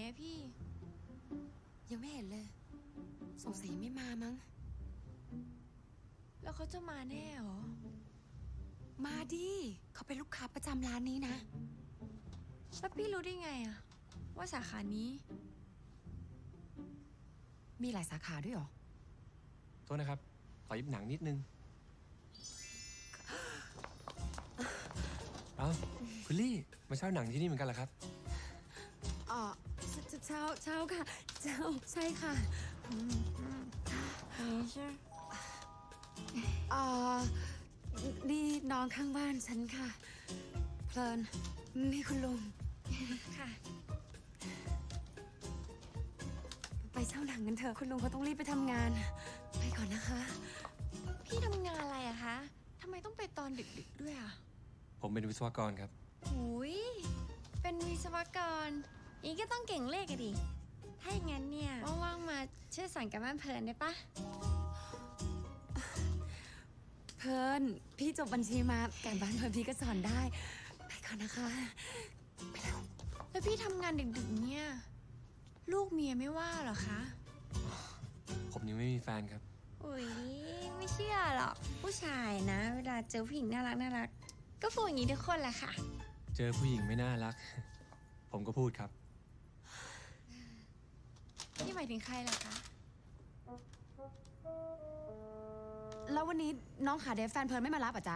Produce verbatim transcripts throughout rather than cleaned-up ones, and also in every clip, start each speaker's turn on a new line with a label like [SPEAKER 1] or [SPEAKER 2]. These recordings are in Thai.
[SPEAKER 1] อะพี่
[SPEAKER 2] ยังไม่เห็นเลย สงสัยไม่มามั้ง
[SPEAKER 1] แล้วเขาจะมาแน่เหรอ
[SPEAKER 2] มาดิเขาเป็นลูกค้าประจำร้านนี้นะ
[SPEAKER 1] แล้วพี่รู้ได้ไงอะว่าสาขานี้
[SPEAKER 2] มีหลายสาขาด้วยเหรอ
[SPEAKER 3] โทษนะครับ ขอยิบหนังนิดนึง เอ้าคุณลี่ มาเช่าหนังที่นี่เหมือนกันเหรอครับ
[SPEAKER 2] อ๋อเช้าเช้าค่ะเช้าใช่ค่ะ
[SPEAKER 1] นี่ใช่
[SPEAKER 2] อ๋อนี่น้องข้างบ้านฉันค่ะ เพลิน นี่คุณลุง
[SPEAKER 1] ค่ะ
[SPEAKER 2] ไปเช่าหนังกันเถอะ คุณลุงเขาต้องรีบไปทำงาน ไปก่อนนะคะ
[SPEAKER 1] พี่ทำงานอะไรอะคะทำไมต้องไปตอนดึกๆด้วยอะ
[SPEAKER 3] ผมเป็นวิศวกรครับ
[SPEAKER 1] หุยเป็นวิศวกรอีกก็ต้องเก่งเลขอะดิ ถ้าอย่างนั้นเนี่ยว่างๆมาช่วยสอนกับบ้านเพลินได้ปะ
[SPEAKER 2] เพลิน พี่จบบัญชีมาการบ้านเพลินพี่ก็สอนได้ ไปก่อนนะคะ ไปแล้ว
[SPEAKER 1] แล้วพี่ทำงานดึกๆเนี่ยลูกเมียไม่ว่าเหรอคะ
[SPEAKER 3] ผมยังไม่มีแฟนครับ
[SPEAKER 1] อุ้ยไม่เชื่อหรอกผู้ชายนะ เวลาเจอผู้หญิงน่ารักน่ารักก็พูดอย่างนี้ทุกคนแหละค่ะ
[SPEAKER 3] เจอผู้หญิงไม่น่ารัก ผมก็พูดครับ
[SPEAKER 1] นี่หมายถึงใครล่ะคะ
[SPEAKER 2] แล้ววันนี้น้องขาเดฟแฟนเพลินไม่มารับอ่ะจ๊ะ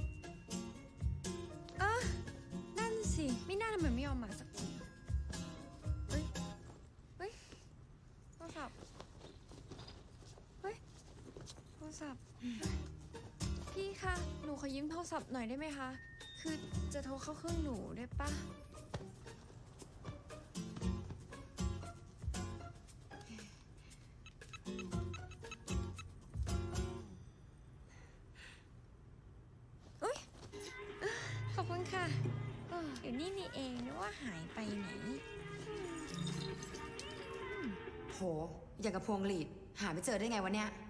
[SPEAKER 1] เออนั่นสิไม่น่าทำไมไม่ยอมมาสักทีเฮ้ยเฮ้ยโทรศัพท์เฮ้ยโทรศัพท์พี่คะหนูขอยืมโทรศัพท์หน่อยได้ไหมคะคือจะโทรเข้าเครื่องหนูได้ปะอุ๊ยขอบคุณค่ะเอออยู่นี่นี่เองนึกว่าหายไปไหน
[SPEAKER 2] โห อย่างกับพวงหลีด หาไม่เจอได้ไงวะเนี่ย